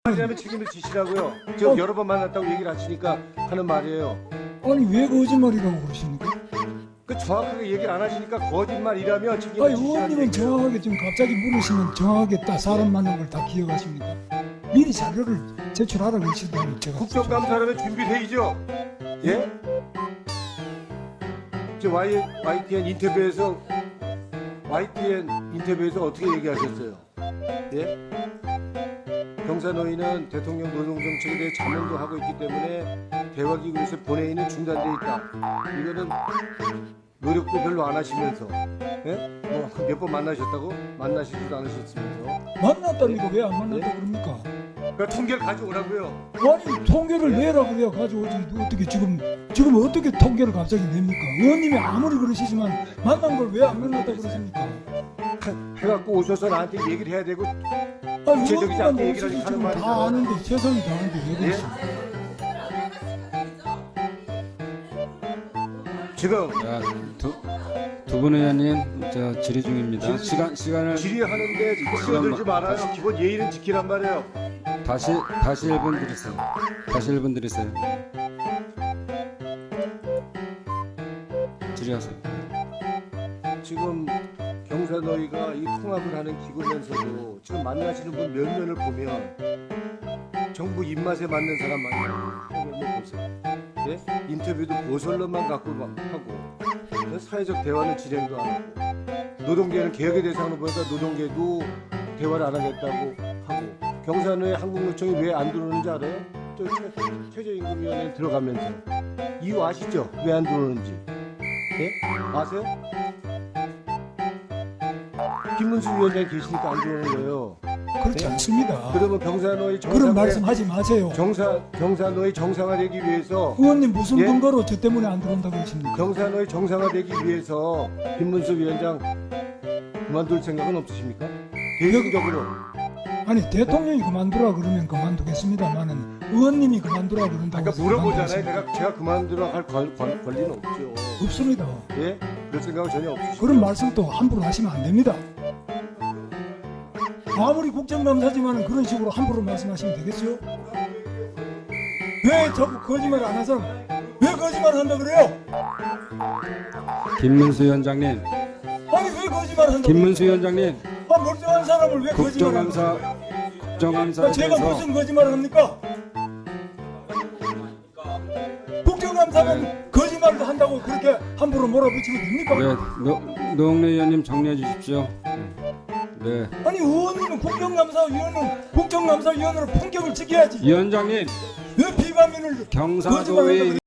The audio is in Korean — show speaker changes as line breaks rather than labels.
하면 책임을 지시라고요. 저 여러 번 만났다고 얘기를 하시니까 하는 말이에요.
아니 왜 거짓말이라고 그러십니까?
그 정확하게 얘기를 안 하시니까 거짓말이라면 책임을
아니
지시라는
의원님은
얘기예요.
정확하게 지금 갑자기 물으시면 정확하게 딱 사람 많은 걸 다 기억하십니까? 미리 자료를 제출하라고 하시더니 제가
국정감사라면 준비되죠. 예? 저 YTN 인터뷰에서 어떻게 얘기하셨어요? 예? 경사노위는 대통령 노동정책에 대해 자문도 하고 있기 때문에 대화기구에서 본회의는 중단돼 있다. 이거는 노력도 별로 안 하시면서, 예? 뭐 몇 번 만나셨다고? 만나시지도 않으셨으면서.
만났다니까 왜 안 만났다고 그럽니까?
그러니까 통계를 가져오라고요.
아니 통계를 내라 그래야 가져오지 어떻게 지금 어떻게 통계를 갑자기 냅니까? 의원님이 아무리 그러시지만 만난 걸 왜 안 만났다고 그러십니까?
해갖고 오셔서 나한테 얘기를 해야 되고.
아니
구체적이지
의원님만
않게 얘기를
오시지
하는
지금
말이잖아요.
다 아는데 최선이 다하는데 왜
예?
그러십니까?
지금
자, 두 분 의원님 저 질의 중입니다. 시간을
질의하는데 끼어들지 말아요. 기본 예의는 지키란 말이에요.
다시 1분 드리세요. 다시 1분 드리세요. 질의하세요.
지금 경사노위가 이 통합을 하는 기구면서도 지금 만나시는 분 몇 면을 보면 정부 입맛에 맞는 사람 만나요. 보세요. 예? 인터뷰도 고설론만 갖고 막 하고 사회적 대화는 진행도 안 하고 노동계는 개혁의 대상으로 보니까 노동계도 대화를 안 하겠다고 하고 경사노위 한국노총이 왜 안 들어오는지 알아요? 저 최저임금위원회 들어가면서 이유 아시죠? 왜 안 들어오는지 예? 아세요? 김문수 위원장이 계시니까 안 들어오는 거예요.
그렇지 않습니다.
그러면 경사노위
그런 말씀하지 마세요.
경사노위 정상화되기 위해서
의원님 무슨
예?
근거로 저 때문에 안 들어온다고 하십니까?
경사노위 정상화되기 위해서 김문수 위원장 그만둘 생각은 없으십니까? 개인적으로
아니 대통령이 그만두라 그러면 그만두겠습니다만은 의원님이 그만두라 그런다고
아까
해서
물어보잖아요.
그만두겠습니까?
제가 그만두라 할 권리는 없죠.
없습니다.
예? 그럴 생각은 전혀 없으시죠.
그런 말씀 또 함부로 하시면 안 됩니다. 아무리 국정감사지만은 그런 식으로 함부로 말씀하시면 되겠어요? 왜 자꾸 거짓말 안 하서 왜 거짓말 한다 그래요?
김문수 위원장님,
아니 왜 거짓말 한다?
김문수 위원장님,
아 멀쩡한 사람을 왜 거짓말 한다?
국정감사에
제가
대해서
무슨 거짓말을 합니까? 국정감사는 거짓말도 한다고 그렇게 함부로 몰아붙이면 됩니까?
네, 노웅래 의원님 정리해 주십시오. 네,
아니 의원님은 국정감사위원으로 품격을 지켜야지
위원장님
왜 비방인을
경사도의